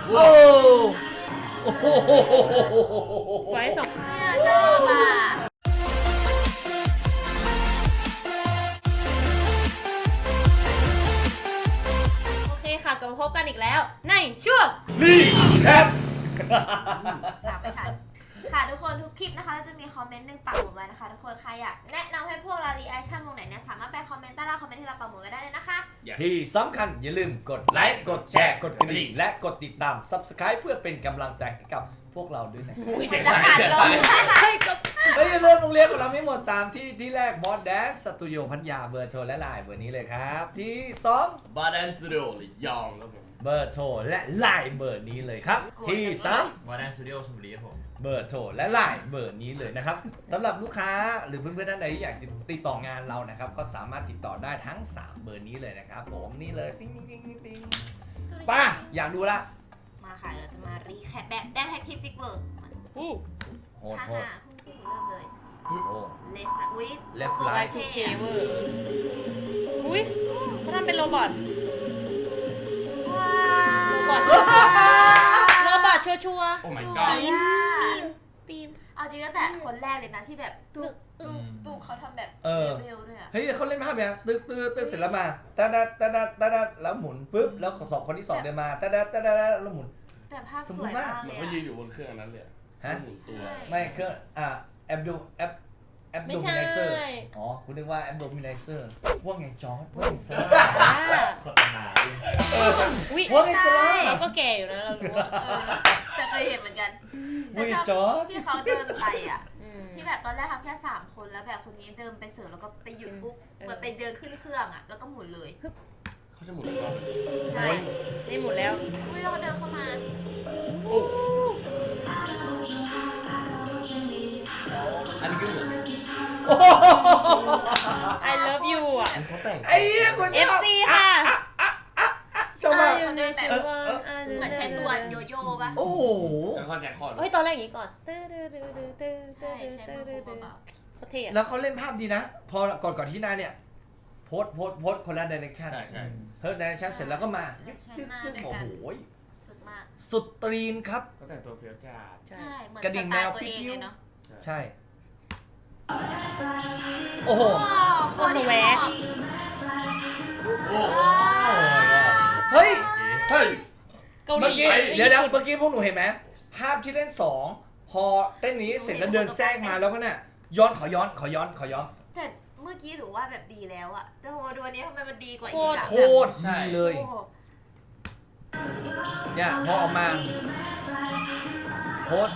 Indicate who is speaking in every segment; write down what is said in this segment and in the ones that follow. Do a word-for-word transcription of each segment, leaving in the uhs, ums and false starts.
Speaker 1: โอ้โห
Speaker 2: ไว้สอง
Speaker 3: ชอบอ่ะ
Speaker 2: โอเคค่ะกลับมาพบกันอีกแล้วในช่วง
Speaker 1: นี่แคป
Speaker 3: ตามไปทันค่ะทุกคนทุกคลิปนะคะเราจะมีคอมเมนต์หนึ่งปักหมุดไว้นะคะทุกคนใครอยากแนะนำให้พวกเรารีแอคชั่นวงไหนเนี่ยสามารถไปคอมเมนต์ใต้ล่างคอมเมนต์ที่เราปักหมุดไว้ได้เลยนะคะ
Speaker 1: ที่สำคัญอย่าลืมกดไลค์กดแชร์กดกระดิ่งและกดติดตาม ซับสไครบ์ เพื่อเป็นกำลังใจให้กับพวกเราด้วยนะครับ
Speaker 3: มันจะขาดลม
Speaker 1: เฮ้ยอย่าลืมโรงเรียนของเราไม่หมดสามที่ที่แรกบอสแดนสตูดิโอพัทยาเบอร์โทรและไลน์เบอร์นี้เลยครับ ที่สอง
Speaker 4: บาร์แดนสตูดิโอหรือยองครับผม
Speaker 1: เบอร์โทรและไลน์เบอร์นี้เลยครับ ที่สาม
Speaker 4: บาร์แดนสตูดิโอชลบุรีครับผม
Speaker 1: เบอร์โทรและไลน์เบอร์นี้เลยนะครับสำหรับลูกค้าหรือเพื่อนๆท่านใดที่อยากติดต่องานเรานะครับก็สามารถติดต่อได้ทั้งสามเบอร์นี้เลยนะครับผมนี่เลยติ๊งติ๊งติ๊งติ๊งป้าอยากดูละ
Speaker 3: มาค่ะเราจะมารีแคปแบบแดนแท็กทีฟิกเวิร์ก
Speaker 2: อู้
Speaker 1: โหด
Speaker 3: ฮ่า
Speaker 1: โหด
Speaker 3: ฮ่าเริ่มเลย
Speaker 1: โอ้
Speaker 3: เลฟวิท
Speaker 1: Left
Speaker 2: ไว้
Speaker 1: right
Speaker 2: ทูเคเวอร์อุ้ยเขาทำเป็นโรบอท
Speaker 3: ว้า
Speaker 2: โรบอท โรบอทชัวร์
Speaker 4: โอ้ my
Speaker 2: ๆ
Speaker 4: god
Speaker 2: ปีมปีมปีม
Speaker 3: เอาจริงตั้งแต่คนแรกเลยนะที่แบบตุ๊กตุ๊กตุ๊กเขาทำแบบเร็วๆด้วยอ่ะ
Speaker 1: เฮ้ยเขาเล่นภาพเนี่ยตึ๊ดตึ๊ดตึ๊ดเสร็จแล้วมาตาดาตาดาตาดาแล้วหมุนปุ๊บแล้วสองคนที่สองเดินมาตาดาตาดาแล้วหมุน
Speaker 3: แต่ภาพสวยมาก
Speaker 4: เห
Speaker 3: เล
Speaker 4: มือน
Speaker 3: ย
Speaker 4: เขายืน
Speaker 3: อะ
Speaker 4: อยู่บนเครื่องอันนั้นเลยอะ
Speaker 1: ฮะ
Speaker 4: หมุนตัว
Speaker 1: ไม่เครื่องอ่ะแอปดูแอปแอป
Speaker 2: ไม่
Speaker 1: โดมิ
Speaker 2: ใช่
Speaker 1: เนเซอร์อ๋อคุณนึกว่าแอปโดมิเนเซอร์ว่าไงจอร์ดว่าไงซา
Speaker 2: อ่า
Speaker 4: โฆษณา
Speaker 2: อุ้ย
Speaker 1: ว่าไงซา
Speaker 2: เราก็แก่อยู่นะเรารู้ว่า
Speaker 3: เออแต่เคยเห็นเหมือนกัน
Speaker 1: ว่าไง
Speaker 3: แต่
Speaker 1: จ
Speaker 3: ช
Speaker 1: อ
Speaker 3: อบ
Speaker 1: ร์ด
Speaker 3: ที่เขาเดินไปอ่ะ
Speaker 2: อืม
Speaker 3: ที่แบบตอนแรกทำแค่สามคนแล้วแบบคนนี้เดินไปเสิร์ฟแล้วก็ไปหยุดปุ๊บ
Speaker 2: เออ
Speaker 3: เหมือนไปเดินขึ้นเครื่องอ่ะแล้วก็หมุนเลย
Speaker 4: เขาจะหมุนอีกรอบ
Speaker 3: ใช่
Speaker 2: นี่หมดแล้ว
Speaker 3: อุ้ยเราก็เดินเข้ามา
Speaker 4: อันนี้ก็เหมือน
Speaker 2: I love you อ่ะ
Speaker 4: อันเขาแต่ง
Speaker 1: ไอ้เหี้ยคุณช
Speaker 2: เอ
Speaker 1: อบ
Speaker 2: ฟ ซี ค่ะ
Speaker 1: ชอบมาก
Speaker 2: อยู่ในชีวิต
Speaker 3: เหมือนใช้ตัวโยโย่ป่ะ
Speaker 1: โอ้โห
Speaker 4: แล้วเขาแจ็คคอร์ด
Speaker 2: เฮ้ยตอนแรกอย่างนี้ก่อนตื้อตื้อตื้อตื้อตื้อ
Speaker 3: ใช่ใช้มือโคเบา
Speaker 2: โคตรเท่อะ
Speaker 1: แล้วเขาเล่นภาพดีนะ พอก่อนก่อนที่หน้าเนี่ยโพสโพสโพสคนละดิเรกชัน
Speaker 4: ใช่ใช่
Speaker 1: เพิ่มดิเรกชันเสร็จแล้วก็มาโอ้โห
Speaker 3: ๆสุดมาก
Speaker 1: สุดตรีนครับ
Speaker 4: เขาแต่งตัวเฟี้ยวจ้าด
Speaker 2: ใช่
Speaker 3: ใช่เหมือน
Speaker 1: กระดิ่ง
Speaker 3: ส
Speaker 1: แม
Speaker 3: ไต
Speaker 1: ว
Speaker 3: ล์ตัวเอง
Speaker 1: ปิ๊ว
Speaker 3: เลยเนาะ
Speaker 1: ใช่ โอ้โห
Speaker 2: โคตรสแวก
Speaker 4: โอ้
Speaker 1: เฮ้ย
Speaker 4: เฮ้ย
Speaker 2: เกาห
Speaker 1: เมื่อ
Speaker 2: ลี
Speaker 1: กี้เดี๋ยวเดี๋ยวเมื่อกี้พวกหนูเห็นไหมภาพที่เล่นสองพอเต้นนี้เสร็จแล้วเดินแทรกมาแล้วก็น่ะย้อนขอย้อนขอย้อนขอย้อน
Speaker 3: แต่เมื่อกี้ถือว่าแบบดีแล้วอะแต่พอมาดูอันนี้ทำไมมันดีกว่าอี
Speaker 2: โค
Speaker 3: ก
Speaker 2: ตร
Speaker 3: อะ
Speaker 1: โคตรดีเลย
Speaker 3: โอ้โห
Speaker 1: เนี่ยพอออกมาโคตร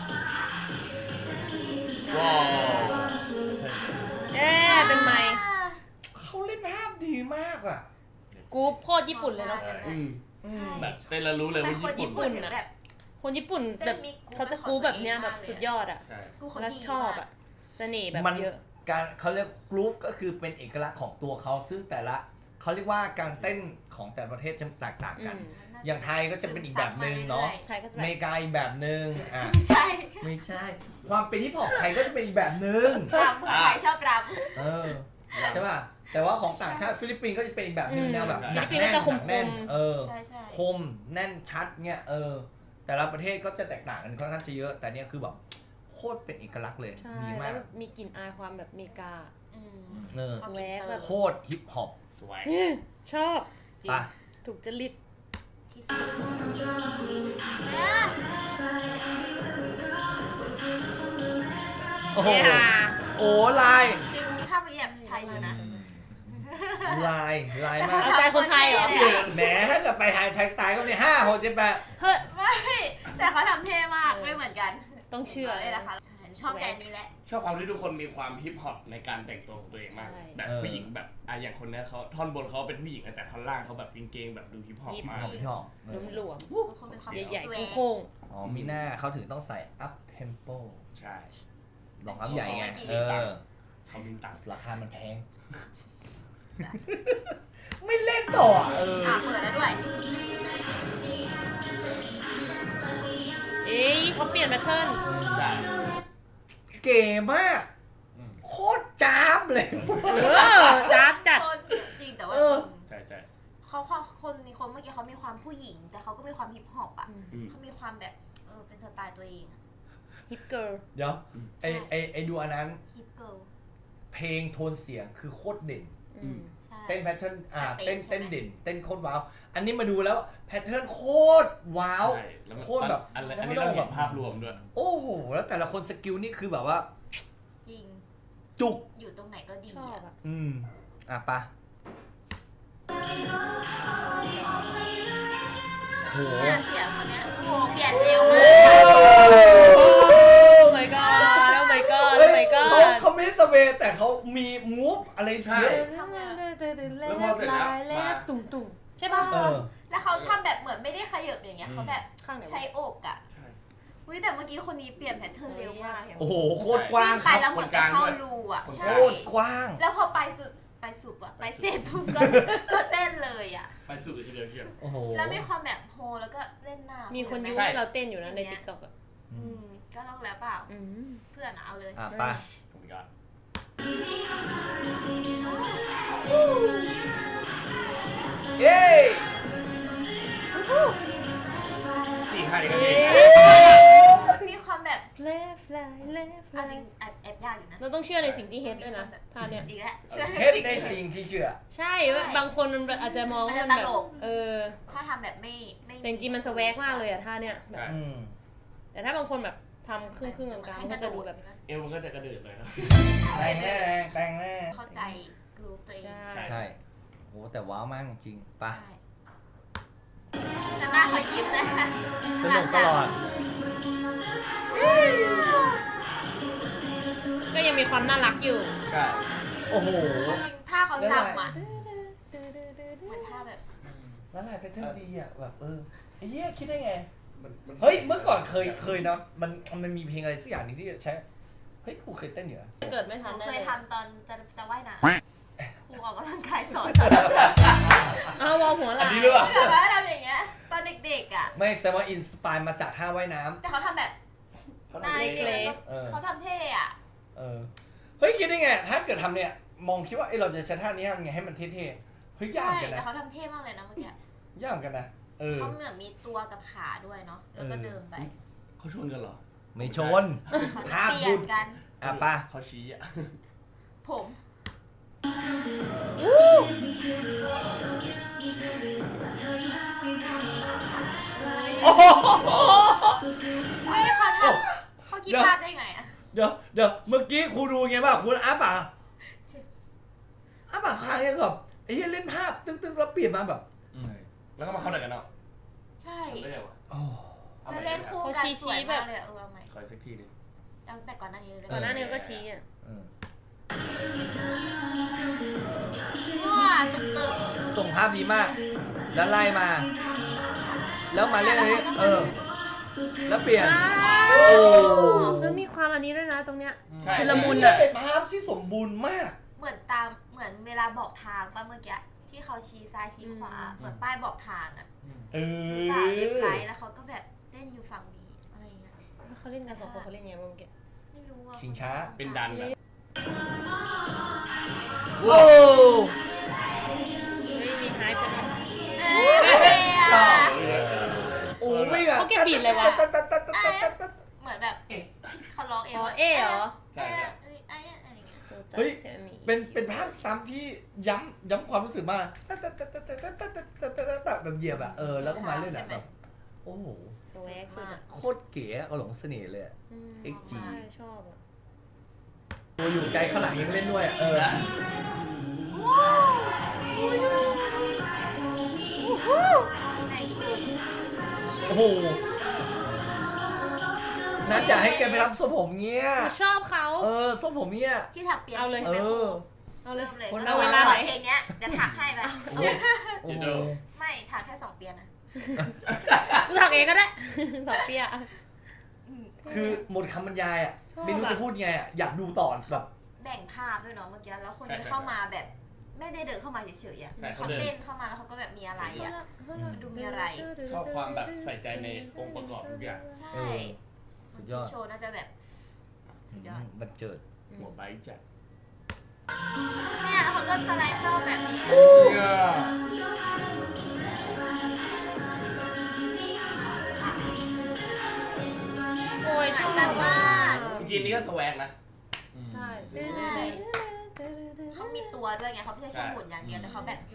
Speaker 4: ว้าว
Speaker 2: เอ๊ะเป็นไมค์
Speaker 1: เขาเล่นภาพดีมากอ่ะ
Speaker 2: กรุ๊ปโคตรญี่ปุ่นเลยเนาะ
Speaker 4: อืม
Speaker 1: อืม
Speaker 4: แบบเต้นแล้วรู้เลย
Speaker 3: แต่
Speaker 4: ว่า
Speaker 3: คน
Speaker 4: ญี่
Speaker 3: ญี่
Speaker 4: ปุ่น
Speaker 3: ปุ่นถึงแบบ
Speaker 2: คนญี่ปุ่นแบบเขาจะกรุ๊ปแบบเนี้ยแบบสุดยอดอ่ะ
Speaker 4: ใช่
Speaker 3: กูเขา
Speaker 2: แล้ว
Speaker 3: ดี
Speaker 2: ชอบอ่ะเสน่ห์แบบ
Speaker 1: มัน
Speaker 2: เยอะ
Speaker 1: การเขาเรียกกรุ๊ปก็คือเป็นเอกลักษณ์ของตัวเขาซึ่งแต่ละเขาเรียกว่าการเต้นของแต่ละประเทศจะแตกต่าง
Speaker 2: อื
Speaker 1: กัน
Speaker 2: ม
Speaker 1: อย่างไทยก็จะเป็นอีกแบบหนึ่งเนาะ
Speaker 2: ไทยก็จะ
Speaker 1: อ
Speaker 2: แบ
Speaker 1: เม
Speaker 2: บ
Speaker 1: ริกาอีกแบบหนึ่งอ่ะ
Speaker 3: ไม่ใช่
Speaker 1: ไม่ใช่ ความเป็นฮิปฮอปไทยก็จะเป็นอีกแบบหนึ่ง
Speaker 3: รำคนไทยชอบร
Speaker 1: เออใช่ป่ะแต่ว่าของต่างชาติฟิลิปปินส์ก็จะเป็นอีกแบบหนึงแนวแบบหนัก
Speaker 2: ฟิลิปปินส์
Speaker 1: แน่
Speaker 2: ก็
Speaker 1: น
Speaker 2: จะค
Speaker 1: หนักแน่น
Speaker 2: มๆ
Speaker 1: เออ
Speaker 3: ำใช่ใช่
Speaker 1: คมแน่นชัดเนี่ยเออ แต่ละประเทศก็จะแตกต่างกันค่อนข้างจะเยอะ แต่เนี่ยคือแบบโคตรเป็นเอกลักษณ์เลย
Speaker 2: ใช่
Speaker 1: ดี
Speaker 2: แล้
Speaker 1: มาว ก
Speaker 2: มีกลิ่นอายความแบบอเมริกา
Speaker 3: อืม
Speaker 1: เออ
Speaker 2: สแวกแบบ
Speaker 1: โคตรฮิปฮอป
Speaker 4: สวย
Speaker 2: ชอบ
Speaker 3: จริง
Speaker 1: ป่ะ
Speaker 2: ถูกจริต
Speaker 3: ที่สุด
Speaker 1: โอ้โห
Speaker 2: เย้
Speaker 1: โอ้ลาย
Speaker 3: จริงถ้าไปแบบไทยอยู่นะ
Speaker 1: ลายลายมาก
Speaker 2: เอาใจคนไทยเหรอ
Speaker 1: แหมถ้าเกิดไปไทยไทยสไตล์ก็เนี่ยห้าหกเจ็ดแปด
Speaker 2: เฮ้ย
Speaker 3: ไม่แต่เขาทำเท่มากไม่เหมือนกัน
Speaker 2: ต้องเชื่อ
Speaker 3: เลยนะคะชอบแต่อันนี้แหละ
Speaker 4: ชอบความที่ทุกคนมีความฮิปฮอปในการแต่งตัวของตัวเองมาก
Speaker 2: ใช่
Speaker 4: แบบผู้หญิงแบบอ่ะอย่างคนเนี้ยเขาท่อนบนเขาเป็นผู้หญิงแต่ท่อนล่างเขาแบบเกงๆแบบดูฮิปฮอปมาก
Speaker 1: ชอบชอบ
Speaker 2: หลวมหลวม
Speaker 3: ทุกคนเป็นความ
Speaker 2: ๆใหญ่
Speaker 3: สวย
Speaker 2: ๆโค้ง
Speaker 1: อ๋อมีหน้าเขาถึงต้องใส่ up tempo
Speaker 4: ใช่
Speaker 1: ลองอัพใหญ่ไงเออ
Speaker 4: เขามีตังค์
Speaker 1: ราคามันแพง ไม่เล่นต่ออ่ะเออ
Speaker 3: อ่ะเปิดแล้วด้วย
Speaker 2: ๆเอ้ยเขาเปลี่ยนแพทเทิร์น
Speaker 4: ใช่
Speaker 1: เก๋มาก
Speaker 4: อืม
Speaker 1: โคตรจ้าบเลย
Speaker 2: เออจ้าบจัด
Speaker 3: โคตรจริงแต่ว่า
Speaker 1: เออ
Speaker 4: ใช่ใช่
Speaker 3: เขาเขาคนคนเมื่อกี้เขามีความผู้หญิง แต่เขาก็มีความฮิปฮอปอ่ะ
Speaker 4: อืม
Speaker 3: เขามีความแบบเออเป็นสไตล์ตัวเองอะ
Speaker 2: ฮิปเกิร์ล
Speaker 1: เดี๋ยวไอไอไอดูอันนั้น
Speaker 3: ฮิปเกิร์ล
Speaker 1: เพลงโทนเสียงคือโคตรเด่น
Speaker 2: อืม
Speaker 3: ใช่
Speaker 1: เต้นแพทเทิร์นอ่า
Speaker 3: สเตจ
Speaker 1: เต้น
Speaker 3: ใช่
Speaker 1: เต้น
Speaker 3: ไหม
Speaker 1: เด่นเต้นโคตรว้าวอันนี้มาดูแล้วแพทเทิร์นโคตรว้าว
Speaker 4: ใช่แล้วมัน
Speaker 1: โคตรแบบ
Speaker 4: อัน
Speaker 1: ฉั
Speaker 4: อั
Speaker 1: น
Speaker 4: น
Speaker 1: ไม่
Speaker 4: นี้
Speaker 1: ต้อ
Speaker 4: เรา
Speaker 1: ง
Speaker 4: แบบภาพรวมด้วย
Speaker 1: โอ้โหแล้วแต่ละคนสกิลนี่คือแบบว่า
Speaker 3: จริง
Speaker 1: จุก
Speaker 3: อยู่ตรงไหนก็ดี
Speaker 2: ชอบ
Speaker 3: อะ
Speaker 2: อ่ะ
Speaker 1: อืมอ่ะปะโห
Speaker 3: เนี่ยเสียงคนเนี้ยโอ้โหเปลี่ยนเร็วมาก
Speaker 2: โอ้ my god โอ้ my god โอ้
Speaker 1: เฮ้ย
Speaker 2: my
Speaker 1: เขา
Speaker 2: god
Speaker 1: เขาไม่ได้ตะเวนแต่เขามีมูฟอะไร
Speaker 4: ใช่
Speaker 1: เยอะ
Speaker 4: แล้วพอเสร็จแล้วมา
Speaker 2: ตุ่มตุ่มใช่ป่ะ
Speaker 1: เออ
Speaker 3: แล้วเขาทำแบบเหมือนไม่ได้ขยับอย่างเงี้ยเขาแบบ
Speaker 2: ข้างไหนวะ
Speaker 3: ใช้อกอะ
Speaker 4: ใช่
Speaker 3: อุ้ยแต่เมื่อกี้คนนี้เปลี่ยนแพทเทิร์นเร็วมากเห็นไหม
Speaker 1: โอ้โหโคตรกว้าง
Speaker 3: วิ่ง
Speaker 1: ค
Speaker 3: ไป
Speaker 1: รับ
Speaker 3: แล้วเหมือนไปเข้ารูอะ
Speaker 4: คนก
Speaker 3: ใช่
Speaker 4: ลาง
Speaker 1: โคตรกว้าง
Speaker 3: แล้วพอไปสุดไปสุดอะไปเสร็จปุ๊บก็ก็เต้นเลยอะ
Speaker 4: ไปสู่ทีเดียวเชียว
Speaker 1: โอ้โห
Speaker 3: แล้วมีความแบบโฮแล้วก็เล่นหน้า
Speaker 2: มี
Speaker 3: มี
Speaker 2: คนยุ
Speaker 4: ใช่
Speaker 2: ให้เราเต้นอยู่นะใน TikTok อ่ะ
Speaker 3: อืมก็ลองแล้วเปล่า
Speaker 2: อืม
Speaker 3: เพื่อนอะเอาเลย
Speaker 1: อ่ะปะ
Speaker 4: ผมก็
Speaker 1: เย้
Speaker 4: สี่ห้านี่ก็ดี
Speaker 3: มีความแบบ
Speaker 2: left right left
Speaker 3: เอาจริง
Speaker 2: right
Speaker 3: แอบแอบยากอยู่นะ
Speaker 2: เราต้องเชื่อในสิ่งที่เฮ็ดด้วยนะท่าเนี้ย
Speaker 3: อีกแล้วเชื่อ
Speaker 1: เฮ็ดในสิ่งที่เชื่อ
Speaker 2: ใช่บางคนมันอาจจะมองว่ามันแบบเออ
Speaker 3: ถ้าทำแบบไม่ไม่
Speaker 2: แต่จริงๆมันสแวกมากเลยอะท่าเนี้ยแบบ
Speaker 4: ใช่
Speaker 1: อืม
Speaker 2: แต่ถ้าบางคนแบบทำครึ่งครึ่งๆกลางๆมันก็จะดูแบบ
Speaker 4: เอวมันก็จะกระเดิดเลยครับ
Speaker 1: แต่งแน่แต่งแน่
Speaker 3: เข้าใจกรุ๊ปตัวเอง
Speaker 2: ใช่
Speaker 4: ใช่
Speaker 1: ใช่โหแต่ว้าวมากจริงๆปะ
Speaker 3: ใช่แต่หน้าเขายิ้มนะคะ
Speaker 1: สนุกตลอด
Speaker 2: ก็ยังมีความน่ารักอยู่
Speaker 4: ใช่
Speaker 1: โอ้โห
Speaker 3: ถ้าเขาจำอ่ะเหมือนท่าแบบ
Speaker 1: แล้วลายแพทเทิร์นดีอ่ะแบบเออไอ้เหี้ยคิดได้ไง
Speaker 4: มันมัน
Speaker 1: เฮ้ยเมื่อก่อนเคยเคยเนาะมันมันมีเพลงอะไรสักอย่างหนึงที่ใช้เฮ้ยกูเคยเต้นอยู่นะ
Speaker 2: เกิดไม่
Speaker 3: ห
Speaker 2: ทัน
Speaker 3: นู
Speaker 2: ได้
Speaker 3: เค
Speaker 2: เลย ย
Speaker 3: ทำตอนจะจะว่ายน้ำครูออกกำลังกายสอน
Speaker 2: เอาวอลหัวไห
Speaker 1: อั
Speaker 2: ล่
Speaker 1: นนี้หรือเปล่า
Speaker 3: แต่ว่าทำอย่างเงี้ยตอนเด็กๆอ่ะ
Speaker 1: ไม่แสดงว่าอินสปายมาจากท่าว่ายน้
Speaker 3: แต่เขาทำแบบหน้าเล็กๆแล้วก็
Speaker 1: เออ
Speaker 3: เขาทำเท่อ่ะ
Speaker 1: ำเออเฮ้ยคิดได้ไงถ้าเกิดทำเนี่ยมองคิดว่าเอ้เราจะใช้ท่านี้ทำไงให้มันเท่ๆเฮ้ยยาก
Speaker 3: ใช่
Speaker 1: เหมือนกัน
Speaker 3: แต่
Speaker 1: นะ
Speaker 3: เขาทำเท่มากเลยนะเมื่อกี้
Speaker 1: ยากเหมือนกันนะเออ
Speaker 3: เขาเหมือนมีตัวกับขาด้วยเนาะแล้วก็เดินไป
Speaker 4: เขาชนกันเหรอ
Speaker 1: ไม่ชน
Speaker 3: เขาจะ
Speaker 1: ห้าม
Speaker 3: เปลี่
Speaker 1: พู
Speaker 3: ย
Speaker 1: ด
Speaker 3: นกัน
Speaker 1: อ่ะป่ะ
Speaker 4: เขาชี้อ่ะ
Speaker 3: ผม
Speaker 1: โอ้โห
Speaker 3: เฮ้ยเขาทำเขาคิดพลาดได้ไงอ่ะ
Speaker 1: เดี๋ยวเดี๋ยวเมื่อกี้ครูดูไงบ้างคุณอ้าปากอ้าปากค้างยังแบบไอ้เหี้ยเล่นภาพตึ๊กๆแล้วเปลี่ยนมาแบบ
Speaker 4: แล้วก็มาเข้าไหนกันเนาะ
Speaker 3: ใช่
Speaker 4: ทำได้ไงวะ
Speaker 1: โอ้
Speaker 4: เอา
Speaker 3: แล้ว
Speaker 4: ใหม่
Speaker 3: เล่น
Speaker 4: นะ
Speaker 3: คู่กันสวยมากเลยอะเออเอาใหม่
Speaker 4: ขออีกสักทีหนึง
Speaker 3: เอาแต่ก่อนหน้านี้เลย
Speaker 2: ก่อนหน้านี้ก็ชี้อ่ะ
Speaker 1: เออ
Speaker 3: ว้าตึกตึก
Speaker 1: ส่งภาพดีมาก แล้วไล่มา แล้วมาเล่นอันนี้เออ แล้วเปลี่ยน โอ้
Speaker 2: แล้วมีความอันนี้ด้วยนะตรงเนี้ย
Speaker 4: ใช่
Speaker 2: ชุลมุน
Speaker 1: เนี่
Speaker 2: อะ
Speaker 1: ยเป็นภาพที่สมบูรณ์มาก
Speaker 3: เหมือนตามเหมือนเวลาบอกทางป่ะเมื่อกี้ที่เขาชี้ซ้ายชี้ขวาเหมือนป้ายบอกทางอ่ะ
Speaker 1: เอ
Speaker 3: หรือ
Speaker 1: อ
Speaker 3: เปล่าเรียบร้อยแล้วเขาก็แบบเต้นอยู่ฝั่งนี้อะไรอย่างเงี้ย
Speaker 2: เขาเล่นกันสองคนเขาเล่นไงบ้างเมื่อกี้
Speaker 3: ไม่รู้ว่า
Speaker 1: ชิงช้า
Speaker 4: เป็นดันแบบ
Speaker 1: โว้
Speaker 2: เฮ้ยมีไฮป์กันนะ
Speaker 3: เอ้ย
Speaker 1: ชอบ
Speaker 3: อะ
Speaker 1: โอ้ไม่แบบ
Speaker 2: เขาเก็บบีทเลยวะ
Speaker 3: เหมือนแบบเขาร้องเอง
Speaker 2: อ๋อ
Speaker 3: ว่า
Speaker 2: เอเหรอ
Speaker 4: ใช่ครับ
Speaker 3: เอ้ยเอ้ยอะไรอย่างเงี้ย
Speaker 2: โซจัดเซมิ
Speaker 1: เป็นเป็นภาพซ้ำที่ย้ำย้ำความรู้สึกมากแบบเหยียบอะเออแล้วก็มาเล่นอะแบบโอ้โห
Speaker 2: สแวกสุดอะ
Speaker 1: โคตรเก๋อะหลงเสน่ห์เลยอะ
Speaker 2: ม
Speaker 1: เอ็กซ์จี
Speaker 2: ใช่ชอบอะ
Speaker 1: ตัวอยู่ไกลข้างหลังยังเล่นด้วยอะเออ
Speaker 3: ไหนสุด
Speaker 1: โอ้โหน่าจะให้แกไปทำทรงผมเงี้ย
Speaker 2: ชอบเขา
Speaker 1: เออทรงผมเงี้ย
Speaker 3: ที่ถักเปียก
Speaker 2: เอาเลย
Speaker 3: ใช่ไหม
Speaker 1: เออ
Speaker 2: เอาเลย
Speaker 3: เริ่มเลย
Speaker 1: คน
Speaker 3: ก็
Speaker 1: เอาเว
Speaker 3: เว
Speaker 1: ลา
Speaker 3: ลา
Speaker 1: ไหน
Speaker 3: เพลงเนี้ยเดี๋ยวถักให้ไป
Speaker 1: โอ้โหโอ้โห
Speaker 3: ไม่ถักแค่สองเปียนะ
Speaker 2: กูถักเองก็ได้ สองเปีย
Speaker 1: คือหมดคำบรรยายอะ
Speaker 2: ชอบอะ
Speaker 1: ไม่รู้จะพูดไงอะอยากดูต่อแบบ
Speaker 3: แบ่งภาพด้วยเนาะเมื่อกี้แล้วคน
Speaker 4: ใช่
Speaker 3: ที่
Speaker 4: ใช่
Speaker 3: เข้ามาแบบไม่ได้เดินเข้ามาเฉยๆอ่ะ
Speaker 4: ใช่
Speaker 3: เขา
Speaker 4: เขาเดิน
Speaker 3: เต้นเข้ามาแล้วเขาก็แบบมีอะไรอ่ะ มันดูมีอะไร
Speaker 4: ชอบความแบบใส่ใจในองค์ประกอบทุกอย่าง
Speaker 3: ใช่
Speaker 1: เออสุดยอด
Speaker 3: โชว์น่าจะแบบสุดยอด
Speaker 1: บันเจิด
Speaker 4: หัวไบค์จัด
Speaker 3: เนี่ยแล้วเขาก็สไลด์เข้าแบบนี้
Speaker 4: เนี่ย
Speaker 3: มือนกันมาก
Speaker 4: จริงๆนี่ก็สแวกนะ
Speaker 2: ใช่
Speaker 3: เขามีตัวด้วยไงเขาไม่ใช่แค่หมุนอย่างเดียวแต่เขาแบบ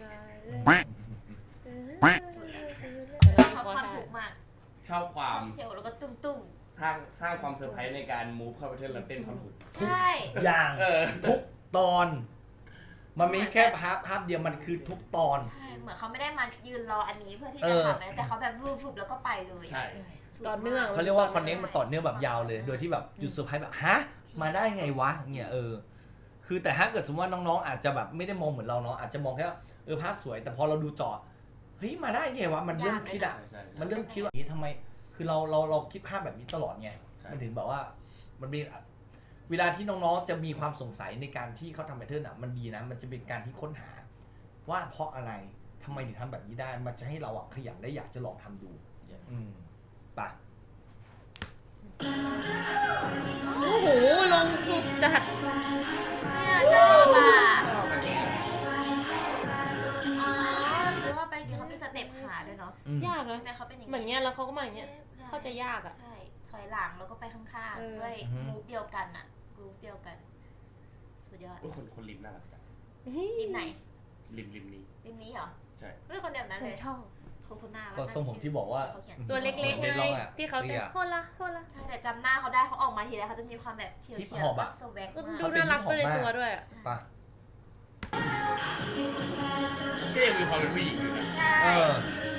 Speaker 3: ชอบความถูกมาก
Speaker 4: ชอบความ
Speaker 3: เชียวแล้วก็ตุ้ม
Speaker 4: สร้างสร้างความเซอร์ไพรส์ในการมูฟเข้าไปเต้นแล้วเต้นท่อนฮุก
Speaker 3: ๆใช่
Speaker 1: อย่าง
Speaker 4: เออ
Speaker 1: ทุกตอน มันไม่แค่ภาพภาพเดียวมันคือทุกตอน
Speaker 3: ใช่เหมือนเขาไม่ได้มายืนรออันนี้เพื่อที่
Speaker 1: เอ
Speaker 3: จะ
Speaker 1: อ
Speaker 3: ทำนะแต่เขาแบบวูบๆแล้วก็ไปเลย
Speaker 4: ใช่
Speaker 2: ต่อเนื่อง
Speaker 1: เขาเรียกว่าคอนเนคมันต่อเนื่องแบบยาวเลย โดยที่แบบจุดเซอร์ไพรส์แบบฮะมาได้ไงวะเนี่ยเออ คือแต่ถ้าเกิดสมมติว่าน้องๆอาจจะแบบไม่ได้มองเหมือนเราเนาะอาจจะมองแค่ว่าเออภาพสวย แต่พอเราดูจอเฮ้ยมาได้ไงวะมันเริ่มคิดอะ
Speaker 4: ใช่ใช่ใช่
Speaker 1: มันเริ่มคิดว่านี้ทำไม คือเราเราเราคิดภาพแบบนี้ตลอดไง
Speaker 4: ใช่
Speaker 1: มันถึงแบบว่า มันมีเวลาที่น้องๆจะมีความสงสัยในการที่เขาทำแพทเทิร์นอ่ะ มันดีนะ มันจะเป็นการที่ค้นหา ว่าเพราะอะไรทำไมถึงทำแบบนี้ได้ มันจะให้เราอ่ะขยันและอยากจะลองทำดู อืมไป่ะ
Speaker 2: โอ้โหลงสุดจัด
Speaker 3: เนี่ยชอบอ่ะอ๋อหรือว่าไปจริงเขามีสเต็ปขาด้วยเนาะ
Speaker 1: อืม
Speaker 2: ยากนะ
Speaker 3: ใช่ไหมเขาเป็นอย่าง
Speaker 2: เหมือนเงี้ยแล้วเขาก็มาอย่างเงี้ย เข้าใจยากอะ
Speaker 3: ใช่ถอยหลังแล้วก็ไปข้าง
Speaker 2: เออ
Speaker 3: ๆด้วยมูฟเดียวกันอะรูปเดียวกัน สุดยอด
Speaker 4: โอ้ยคนคนริมน่ารักจัง
Speaker 3: ริมไหน
Speaker 4: ริมริมนี้
Speaker 3: ริมนี้เหรอ
Speaker 4: ใช่
Speaker 3: เฮ้ยคนเดียวนั้นเลย
Speaker 2: ชอบ
Speaker 3: โคโคน่า
Speaker 1: ก็ทรงผมที่บอกว่า
Speaker 3: เขาเขียน
Speaker 2: ตัวเล็กๆ
Speaker 1: เด็
Speaker 2: ไง
Speaker 1: กลองอะ
Speaker 2: ที่เขาเต้น
Speaker 1: เตี้ย
Speaker 2: โคละโคละ
Speaker 3: ใช่แต่จำหน้าเขาได้เขาออกมาทีไรเขาจะมีความแบบเฉียว
Speaker 1: ฮิป
Speaker 3: เฉีย
Speaker 1: ฮ
Speaker 3: ว
Speaker 1: อป
Speaker 3: ก็
Speaker 1: อะ
Speaker 3: สแวก
Speaker 2: ก็
Speaker 3: มาก
Speaker 2: ดูน่ารักไปในตัวด้วยอะ
Speaker 1: ไป่ะ
Speaker 4: ก็ยังมีความเป็นผู้หญิงอยู่นะ
Speaker 3: ใช่
Speaker 1: เออ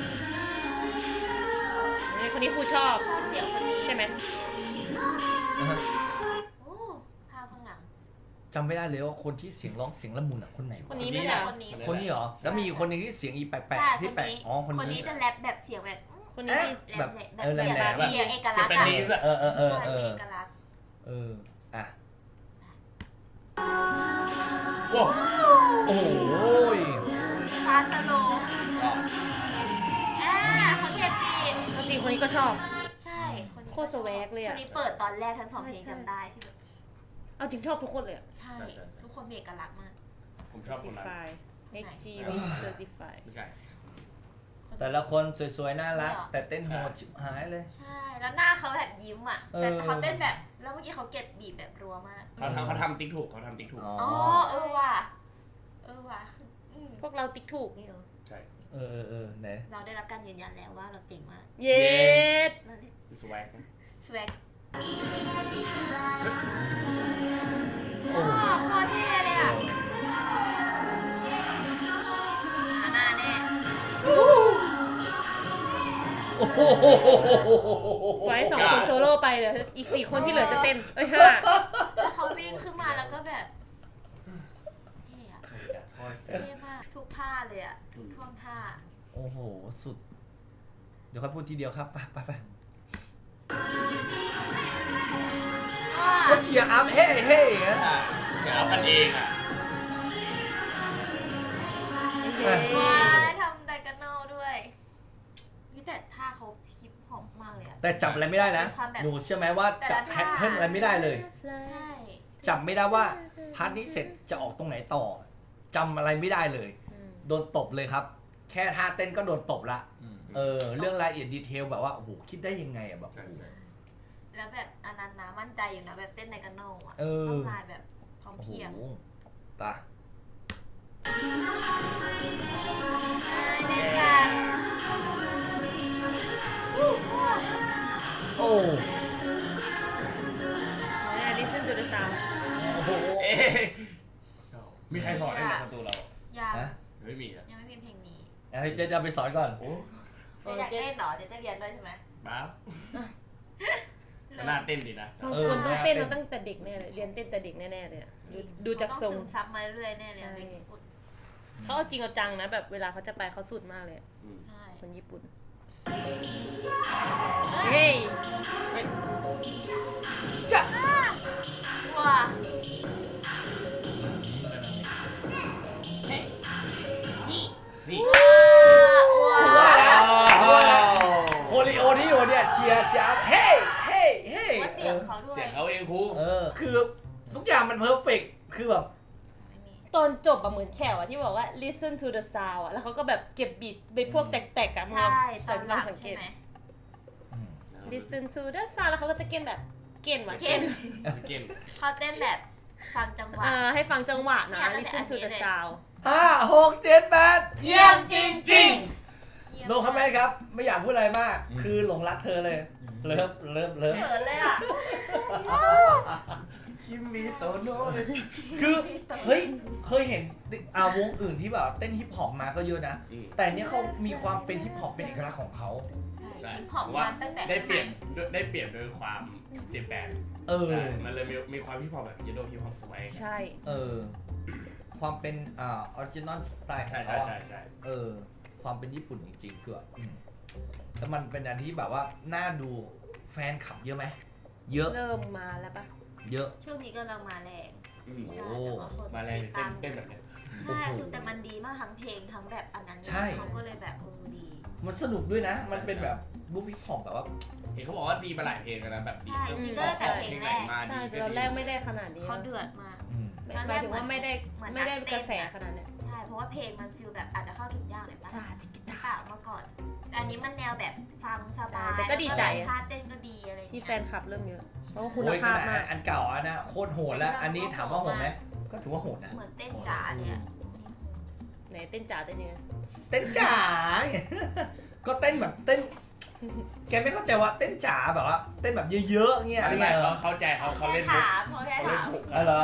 Speaker 2: นี่คนนี้ครูชอบ
Speaker 3: ชอบเสียงคนนี้
Speaker 2: ใช่ไหม
Speaker 1: นะฮะ
Speaker 3: โอ้ภาพข้างหลัง
Speaker 1: จำไม่ได้เลยว่าคนที่เสียงร้องเสียงละมุนอ่ะคนไหน
Speaker 2: คนนี้
Speaker 4: นี่
Speaker 2: ไม่
Speaker 4: แห
Speaker 2: ได้
Speaker 4: ละ
Speaker 3: คนนี้
Speaker 1: คนนี้เหรอ แล้วมีอีกคนหนึงที่เสียงอีแปล
Speaker 3: ใช่
Speaker 1: กๆที่
Speaker 3: คน
Speaker 1: แปลก
Speaker 3: นี้
Speaker 1: อ๋อคน
Speaker 3: คน
Speaker 1: นี้
Speaker 3: นี้จะแรปแบบเสียงแบบ
Speaker 2: คนนี้ดี
Speaker 3: แร
Speaker 1: แบบ
Speaker 3: ปแบบ
Speaker 1: เออแหลม
Speaker 3: เสียง
Speaker 1: แหลม
Speaker 3: เสียงเอกลั
Speaker 4: จะ
Speaker 3: กษณ์
Speaker 4: เป็น
Speaker 3: อะ
Speaker 4: นีสอะ
Speaker 1: เออเออเออ
Speaker 3: ใช่
Speaker 1: เอ
Speaker 3: เสียง
Speaker 1: อ
Speaker 3: เอกลักษณ์
Speaker 1: เอออ่ะ
Speaker 4: ว้าว
Speaker 1: โอ้ย
Speaker 3: ฟาสโลอ่าเขาเทปปีน
Speaker 2: จริงๆคนนี้ก็ชอบ
Speaker 3: ใช่คนนี้
Speaker 2: โคตรสแวกเลยอะ
Speaker 3: คนนี้เปิดตอนแรกทั้งสองเพลงจำได้ที่แบบ
Speaker 2: เอาจริงชอบทุกคนเลยอะ
Speaker 3: ใช่ ทุกคนมีเอกลักษณ์มาก
Speaker 4: ผมชอบคนนั้น
Speaker 2: Certified เอ็กซ์ จี วี Certified
Speaker 4: ไม่ใช่
Speaker 1: แต่ละคนสวยๆ น่ารัก แต่เต้นโหดชิบหายเลย
Speaker 3: ใช่ แล้วหน้าเขาแบบยิ้มอ่ะ
Speaker 1: เออ
Speaker 3: แต่เขาเต้นแบบ แล้วเมื่อกี้เขาเก็บบีบแบบรัวมาก
Speaker 4: เขาทำเขาทำติ๊กถูกเขาทำติ๊กถูก
Speaker 1: อ๋อ
Speaker 3: อ๋อ เออว่ะ เออว่ะอืม
Speaker 2: พวกเราติ๊กถูกนี่เหรอ
Speaker 4: ใช่
Speaker 1: เออเออเออไหน
Speaker 3: เราได้รับการยืนยันแล้วว่าเราเจ๋งมาก
Speaker 2: เย็ด
Speaker 3: นั่นแหละ
Speaker 4: สแวก
Speaker 3: สวก
Speaker 1: โอ้
Speaker 3: อ๋อโคตรเท่เลยอ่ะอาหน้าแน่
Speaker 1: โอ้โห
Speaker 2: ไว้สองคนโซโล่ไปเดี๋ยวอีกสี่คนที่เหลือจะเต้น เอ้ยห้า
Speaker 3: แล้วเขาวิ่งขึ้นมาแล้วก็แบบเท่อะ
Speaker 4: จะทอด
Speaker 3: เท่มาก ทุกท่าเลยอ่ะ ทุกท่วงท่า
Speaker 1: โอ้โห สุด เดี๋ยวค่อยพูดทีเดียวครับ ไปไปไป
Speaker 3: ว้า
Speaker 1: ก็เชียร์อัพเฮ้เฮ้อย่างเงี้ย
Speaker 4: เดี๋ยวเอากันเองอ่ะ
Speaker 3: ว้าได้ทำไดกันนอลด้วยวิแต่ท่าเขาฮิปฮอปมากเลยอะ
Speaker 1: แต่จับอะไรไม่ได้นะ
Speaker 3: ความแบบ
Speaker 1: หนูเชื่อไหมว่าจับแพทเทิร์นอะไรไม่ได้เลย
Speaker 3: ใช่
Speaker 1: จับไม่ได้ว่าพาร์ทนี้เสร็จจะออกตรงไหนต่อจำอะไรไม่ได้เลย โดนตบเลยครับ แค่ท่าเต้นก็โดนตบละ เออ เรื่องรายละเอียดดีเทลแบบว่า โอ้โห คิดได้ยังไงอะแบบ
Speaker 4: ใช่ใช่
Speaker 3: แล้วแบบอันนั้นนะมั่นใจอยู่นะแบบเต้นไดกันนอลอะ
Speaker 1: เออ
Speaker 3: ต้องลายแบบพร้อม
Speaker 1: โอ้โห
Speaker 3: เพรียง
Speaker 1: ตา
Speaker 3: เต้นกัน
Speaker 1: โอ้
Speaker 2: เนี่ย listen to the sound
Speaker 1: โอ้โห
Speaker 4: เอ๊ะมีใครสอนได้ในประตูเรา
Speaker 3: ยัง
Speaker 1: ฮะ
Speaker 4: ไม่มีอ่ะ
Speaker 3: ยังไม่มีเพลงนี้
Speaker 1: เอาให้เจ๊จะไปสอนก่อน
Speaker 4: โอ้
Speaker 3: เจ๊อยากเต้นเหรอเจ๊จะเรียนด้วยใช่ไหม
Speaker 4: บ้าน่าเต้นดีนะ
Speaker 2: บางคนต้องเต้นมาตั้งแต่เด็กแน่เลย เรียนเต้นแต่เด็กแน่ๆเลยอะดูดูจากทรง
Speaker 3: เขต้องซึมซับมาเรื่อยๆแน่เลย
Speaker 2: ใช่
Speaker 3: อะไรอย่างเงี้ยอุ๊ย
Speaker 2: เขาเอาจริงเอาจังนะแบบเวลาเขาจะไปเขาสุดมากเลยอะ
Speaker 4: อืม
Speaker 3: ใช่
Speaker 2: คนญี่ปุ่น เฮ้ย
Speaker 3: ว้า
Speaker 4: นี่
Speaker 3: ว้า
Speaker 1: ว่าแล้ว
Speaker 3: ว้า
Speaker 1: โคลิโอที่อยู่เนี่ยเชียร์เชียร์เฮ้เฮ้เฮ้
Speaker 3: ว่าเสียงเขาด้วย
Speaker 4: เสียงเขาเองครู
Speaker 1: เออ คือทุกอย่างมันเพอร์เฟกคือแบบ
Speaker 3: ไม่มี
Speaker 2: ตอนจบอะเหมือนแขวอะที่บอกว่า listen to the sound อะแล้วเขาก็แบบเก็บบีทไปพวกแตกๆอะมึง
Speaker 3: ใช่
Speaker 2: ลอง
Speaker 3: ตอนหลัง
Speaker 2: สังเก
Speaker 3: ใช่
Speaker 2: ต
Speaker 3: ไหม
Speaker 2: listen to the sound แล้วเขาก็จะเก็บแบบเก่นว่ะ
Speaker 3: เก่น
Speaker 4: เก่ง
Speaker 3: เขาเต้นแบบฟังจังหวะ
Speaker 2: เออให้ฟังจังหวะนะ
Speaker 3: เนี่ยตั้งแต่
Speaker 2: listen to
Speaker 3: อันนี้
Speaker 2: the
Speaker 3: เลย
Speaker 2: sound
Speaker 1: ห้าหกเจ็ดแปด
Speaker 3: เยี่ยมจริงจริง
Speaker 1: โนคอมเมนต์ครับ ไม่อยากพูดอะไรมาก คือหลงรักเธอเลย เลิฟเลิฟเลิฟ
Speaker 3: เขินเลยอ่ะ
Speaker 4: คิมมิโตโน่
Speaker 1: คือเฮ้ยเคยเห็นอ่าวงอื่นที่แบบเต้นฮิปฮอปมาก็เยอะนะ แต่เนี้ยเขามีความเป็นฮิปฮอปเป็นเอกลักษณ์ของเขา
Speaker 4: ใช่
Speaker 3: ขอบ
Speaker 4: ว่า
Speaker 3: มันตั้งแต่
Speaker 4: ได้เปรียบได้เปรียบโดยความเจแปน
Speaker 1: เออ
Speaker 4: ใช่มันเลยมีมีความฮิปฮอปแบบเยโดฮิปฮอปสมัย
Speaker 2: ใช่
Speaker 1: เออ ความเป็นอ่าออริจินอลสไตล์ขอ
Speaker 4: ใช่
Speaker 1: ง
Speaker 4: ใช่
Speaker 1: เขา
Speaker 4: ใช่
Speaker 1: อะ
Speaker 4: ใช่
Speaker 1: เออ ความเป็นญี่ปุ่นจริงๆคือแบบอืมแต่มันเป็นอันที่แบบว่าน่าดูแฟนคลับเยอะไหม เยอะ
Speaker 2: เริ่มมาแล้วปะ
Speaker 1: เยอะ
Speaker 3: ช่วงนี้กำลังมาแรง
Speaker 4: อืม
Speaker 1: โอ้
Speaker 3: ใช่แต่ว่าคน
Speaker 4: มาแรง
Speaker 3: ติด
Speaker 4: เต้
Speaker 3: ตาน ม
Speaker 4: เต้นแบบเนี้ย
Speaker 3: ใช่คือแต่มันดีมากทั้งเพลงทั้งแบบอันนั้น
Speaker 1: ใช่
Speaker 3: เขาก็เลยแบบเออดี
Speaker 1: มันสนุกด้วยนะ มันเป็นแบบบุ๊คฮิปฮอปแบบว่า
Speaker 4: เห็นเขาบอกว่าดีมาหลายเพลงแล้วนะแบบดี
Speaker 3: ใช่จริงๆก็ตั้งแต่เพลงแรก
Speaker 4: มา
Speaker 2: ใช่
Speaker 4: ดี
Speaker 2: แต่ตอนแรกไม่ได้ขนาดนี้
Speaker 3: เขาเดือดมาก
Speaker 1: อืม
Speaker 2: หมายถึงว่าไม่ได้ไม่ได้กระแสขนาดเนี้ย
Speaker 3: ใช่เพราะว่าเพลงมันฟิลแบบอาจจะเข้าถึงยากเลยป่ะ
Speaker 2: จ้าจิก
Speaker 3: หรือเปล่าเมื่อก่อนแต่อันนี้มันแนวแบบฟังสบาย
Speaker 2: แต่ก็ดีใจ
Speaker 3: แล้วท่าเต้นก็ดีอะไร
Speaker 2: ที่
Speaker 3: เงี้ย
Speaker 2: แฟนคลับเริ่มเยอะเพราะว่าคุณ
Speaker 1: โอ้ยข
Speaker 2: ภาพ
Speaker 1: นาด
Speaker 2: มาก
Speaker 1: อันเก่าอันนะโคตรโหดแล้ว อันนี้ถามว่าโหดไหมก็ถือว่าโหดนะ
Speaker 3: เหมือนเต้นจ๋าเลยอะ
Speaker 2: ไหนเต้นจ๋าเต้นยังไง
Speaker 1: เต้นจ๋า ก็เต้นแบบเต้น แกไม่เข้าใจว่าเต้นจ๋าแบบว่าเต้นแบบเยอะๆเงี้ยอะไร
Speaker 4: ไม่
Speaker 1: เงี้ย
Speaker 4: เขาเข้าใจเขาเขาเล่นมุก
Speaker 3: ถามเขาแค่
Speaker 4: เขาเล่
Speaker 3: ถาน ม
Speaker 4: มุก
Speaker 1: อ๋อเหรอ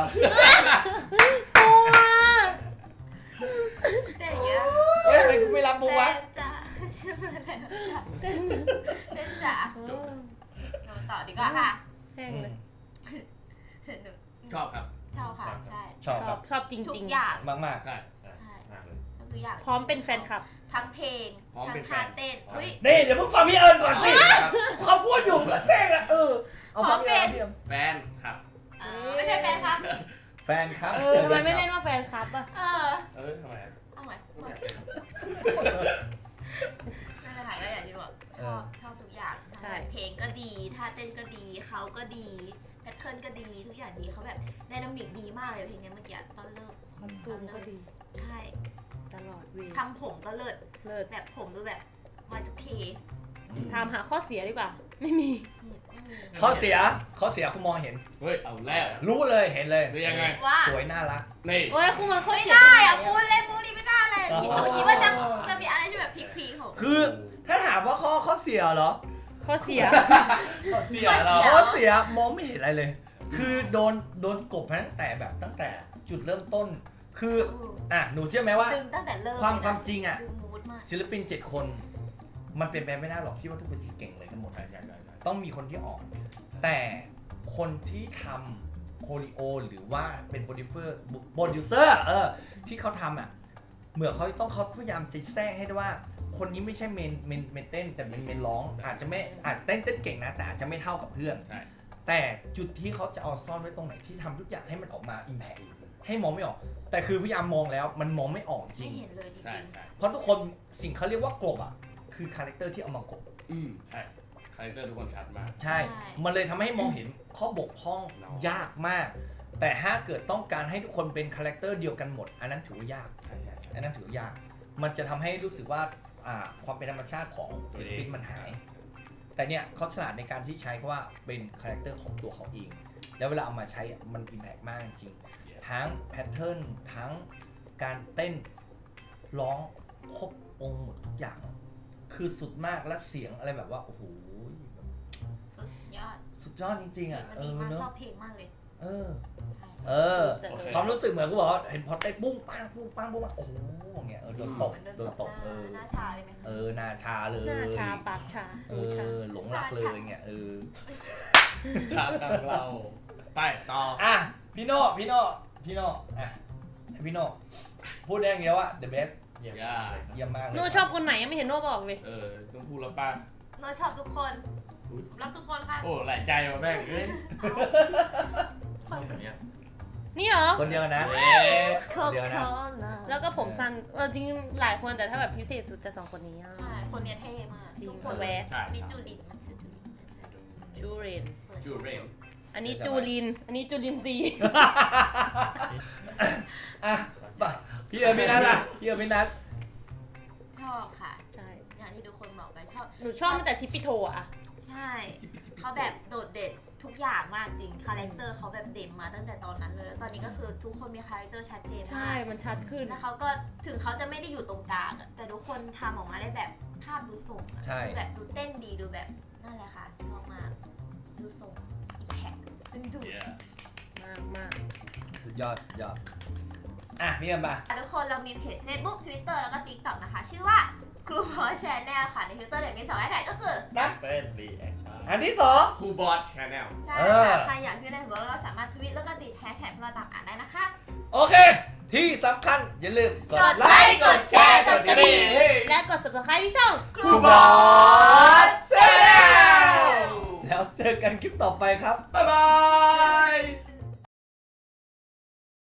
Speaker 3: เต้นอย่างเงี้ย
Speaker 1: เฮ้ยทำไมกูไม่รับมุกวะ
Speaker 3: เต้นจ๋าชื่ออะไรนะจ๋าเต้นจ๋าเราต่อดีกว่าค่ะ
Speaker 2: แห้งเลย
Speaker 3: หนู
Speaker 4: ชอบครับ
Speaker 3: ชอบค่ะใช่
Speaker 1: ชอบ
Speaker 2: ช
Speaker 1: ค
Speaker 2: อ
Speaker 1: รั
Speaker 2: บบ ชอบจ
Speaker 3: ทุก
Speaker 2: ริง
Speaker 3: อย่าง
Speaker 1: มาก
Speaker 4: ใช่ใช่
Speaker 3: ใช่
Speaker 4: มากเลย
Speaker 3: ทุกอย่าง
Speaker 2: ๆ พร้อมเป็นแฟนคลับ
Speaker 3: ทั้งเพลง
Speaker 4: พร้อม
Speaker 3: ทั้
Speaker 4: เป็
Speaker 3: ง
Speaker 4: นแฟ
Speaker 3: ท่าน เต้นเฮ้ย
Speaker 1: ๆนี่เดี๋ยวมึงฟังพี่เอิญก่อนสิ
Speaker 4: ครับ
Speaker 1: เขาพูดอยู่ก็แทรกอะเออ เอาฟังพี่เอิญพี่เอิญ
Speaker 4: แฟนครับ
Speaker 3: เออไม่ใช่แฟนครับ
Speaker 1: แฟนครับ
Speaker 2: เออทำไมไม่เล่นว่าแฟนคลับอ่ะ
Speaker 3: เออ
Speaker 4: เออทำไมอะ
Speaker 3: เอาใหม่
Speaker 4: ไม่อยากเล่น
Speaker 3: นั่นแหละค่ะก็อย่างที่บอกชอบชอบทุกอย่างทั้งแบบเพลงก็ดีท่าเต้นก็ดีเขาก็ดีแพทเทิร์นก็ดีทุกอย่างดีเขาแบบไดนามิกดีมากเลยเพลงนี้เมื่อกี้ตอนเริ่ม
Speaker 2: คอนตูมก็ดี
Speaker 3: ใช่
Speaker 2: ตลอดเวล
Speaker 3: ทำผมก็เลิศ
Speaker 2: เลิศ
Speaker 3: แบบผมดูแบบมาจุเค
Speaker 2: ทำหาข้อเสียดีกว่า ไม่มี
Speaker 1: ข้อเสียข้อเสียคุณมองเห็น
Speaker 4: เฮ้ยเอาแล้ว
Speaker 1: รู้เลยเห็นเลย
Speaker 4: หรือยังไง
Speaker 3: ว่า
Speaker 1: สวยน่ารัก
Speaker 4: นี่
Speaker 2: โอ้ยคุณมันข้อ
Speaker 3: ไม่
Speaker 2: เสีย
Speaker 3: ได้อะพูดเล่นพูดนี่ไม่ได้เลย
Speaker 1: อ๋อ
Speaker 3: คิดหนูคิดว่าจะจะมีอะไรที่แบบพีคๆของ
Speaker 1: คือถ้าถามว่าข้อข้อเสียเหรอ
Speaker 2: ข้อเสีย
Speaker 1: ข้อเสียเหรอข้อเสียมองไม่เห็นอะไรเลย คือโดนโดนกบมาตั้งแต่แบบตั้งแต่จุดเริ่มต้น คืออ่ะหนูเชื่อไหมว่า
Speaker 3: ดึงตั้งแต่เริ่ม
Speaker 1: ความ
Speaker 3: เลยนะ
Speaker 1: ความจริงอ่ะ
Speaker 3: ดึงมูดมาก
Speaker 1: ศิลปินเจ็ดคน มันเป็นไปไม่ได้หรอกที่ว่าทุกคนจะเก่งเลยทั้งหมด
Speaker 4: ใช่ใช่ใช่ใช่
Speaker 1: ต้องมีคนที่ออก แต่คนที่ทำโคลิโอหรือว่าเป็นโปรดิวเซอร์โปรดิวเซอร์เออที่เขาทำอ่ะเหมือนเขาต้องเขาพยายามจะแทรกให้ได้ว่า คนนี้ไม่ใช่เมนเมนเมนเต้นแต่เป็นเมนร้อง อาจจะไม่อาจเต้นเต้นเก่งนะแต่อาจจะไม่เท่ากับเพื่อน
Speaker 4: ใช่
Speaker 1: แต่จุดที่เขาจะเอาซ่อนไว้ตรงไหนที่ทำทุกอย่างให้มันออกมาอิมแพคให้มองไม่ออก แต่คือพยายามมองแล้วมันมองไม่ออกจริ
Speaker 3: ไม่
Speaker 1: ง
Speaker 3: เห็นเลยจริ
Speaker 4: ใช่
Speaker 3: ง
Speaker 4: ใช่
Speaker 1: เพราะทุกคนสิ่งเขาเรียกว่ากลบอ่ะคือคาแรคเตอร์ที่เอามากลบ
Speaker 4: อืมใช่คาแรคเตอร์ทุกคนชัดมาก
Speaker 1: ใช่ มันเลยทำให้มองเห็นข้อบกพร่องยากมาก แต่ถ้าเกิดต้องการให้ทุกคนเป็นคาแรคเตอร์เดียวกันหมด อันนั้นถือว่ายาก
Speaker 4: ใช่ใช่ใช่
Speaker 1: อันนั้นถือว่ายาก มันจะทำให้รู้สึกว่าอ่าความเป็นธรรมชาติของศิลปินมันหาย แต่เนี่ยเขาฉลาดในการที่ใช้คำว่าเป็นคาแรคเตอร์ของตัวเขาเอง แล้วเวลาเอามาใช้อะมันอิมแพกมากจริงๆทั้งแพทเทิร์นทั้งการเต้นร้องครบองค์หมดทุกอย่าง คือสุดมากและเสียงอะไรแบบว่าโอ้โห
Speaker 3: ๆสุดยอด
Speaker 1: สุดยอดจริงๆอ่ะ
Speaker 3: มัน
Speaker 1: เอ
Speaker 3: ดี
Speaker 1: อ
Speaker 3: มาก
Speaker 1: เน
Speaker 3: ชอ
Speaker 1: อะ
Speaker 3: บเพลงมากเลย
Speaker 1: เออ
Speaker 3: ใช่
Speaker 1: เออ
Speaker 4: โอเค
Speaker 1: ความรู้สึกเหมือนกูบอกว่าเห็นพอเต้นปุ้งปังปุ้งปังปุ้งปังโอ้โหอย่างเงี้ยเออโดนตก
Speaker 3: เหมือน
Speaker 1: โดนตกเออ
Speaker 3: หน้าชาเลยไหมคะ
Speaker 1: เออหน้าชาเลย
Speaker 2: หน้าชาปากชา
Speaker 1: เอ
Speaker 2: หูชา
Speaker 1: อหลงรักเลยเงี้ยเออ
Speaker 4: ชาตามเราไปต่อ
Speaker 1: อ่ะพี่โน่พี่โน่พี่โน่อ่ะพี่โน่พูดได้อย่างเดียวว่า the best
Speaker 4: เยี่ยม
Speaker 1: เยี่ยมมากเลย
Speaker 2: โน่ชอบคนไหนยังไม่เห็นโน่บอกเลย
Speaker 4: เออต้องพูดแล้วป่ะ
Speaker 3: โน้ตชอบทุกคนรักทุกคนค่ะ
Speaker 4: โอ้หลายใจว่ะแม่งเอ้ย
Speaker 5: คนเนี้ย
Speaker 2: นี่เหรอ
Speaker 1: คนเดียวนะ
Speaker 4: เอ๊ะ
Speaker 3: โค
Speaker 1: เดี๋ยวนะ
Speaker 3: โค่ล่ะ
Speaker 2: แล้วก็ผมสั้นเออจริงๆหลายคนแต่ถ้าแบบพิเศษสุดจะสองคนนี้อะ
Speaker 3: ใช่คนเนี้ยเท่มาก
Speaker 2: จริง
Speaker 3: ทุกค
Speaker 2: ส
Speaker 3: น
Speaker 2: แวก
Speaker 4: ใช่
Speaker 3: มี
Speaker 4: ใช่
Speaker 3: จูดินมันชื่อจูดิน
Speaker 2: จูเรน
Speaker 4: จูเรล
Speaker 2: อันนี้จูลิน อันนี้จูลินซี
Speaker 1: อ่ะป่ะพี่เอ๋พี่นัทล่ะพี่เอ๋พี่นัท
Speaker 3: ชอบค่ะ
Speaker 2: ใช่
Speaker 3: อย่างที่ทุกคนบอกไปชอบ
Speaker 2: หนูชอบตั้งแต่ทิปปิโทอะ
Speaker 3: ใช่เขาแบบโดดเด่นทุกกอย่างมากจริงคาแรคเตอร์เขาแบบเด่นมาตั้งแต่ตอนนั้นเลยแล้วตอนนี้ก็คือทุกคนมีคาแรคเตอร์ชัดเจน
Speaker 2: ใช่
Speaker 3: มาก
Speaker 2: มันชัดขึ้น
Speaker 3: แล้วเขาก็ถึงเขาจะไม่ได้อยู่ตรงกลางอะแต่ทุกคนทำออกมาได้แบบภาพดูส่งอะ
Speaker 1: ใช่
Speaker 3: ดูแบบดูเต้นดีดูแบบนั่นแหละค่ะชอบมากดูส่งอีกแพ็คดึงดูด
Speaker 4: Yeah
Speaker 2: มากมาก
Speaker 1: สุดยอดสุดยอดอ่ะพี่เอ็มมา
Speaker 3: ทุกคนเรามีเพจ Facebook Twitter แล้วก็ TikTok นะคะ ชื่อว่าครูพอชแนลค่ะ ใน Twitter เนี่ยมีสองแฮชแท็กก็คือ
Speaker 1: นะ
Speaker 4: เป็นรีแอคชั่น
Speaker 1: อันที่สอง
Speaker 4: ครูบอสชาแนล
Speaker 3: ใช่
Speaker 1: เออ
Speaker 3: ค่ะใครอยากที่ได้หัวเราก็สามารถทวิตแล้วก็ติดแฮชแท็กพวกเราตามอ่านได้นะคะ
Speaker 1: โอเค ที่สำคัญอย่าลืมกด
Speaker 3: กด
Speaker 1: ไล
Speaker 3: ไลค์
Speaker 1: ค์
Speaker 3: กดแชร์กดกระดิ่ง
Speaker 2: และกด subscribe ที่ช่อง
Speaker 3: ครู
Speaker 1: บบ อ
Speaker 3: อ
Speaker 1: ส
Speaker 3: ส
Speaker 1: แชนแนลแล้วเจอกันคลิปต่อไปครับ
Speaker 4: บ๊ายบาย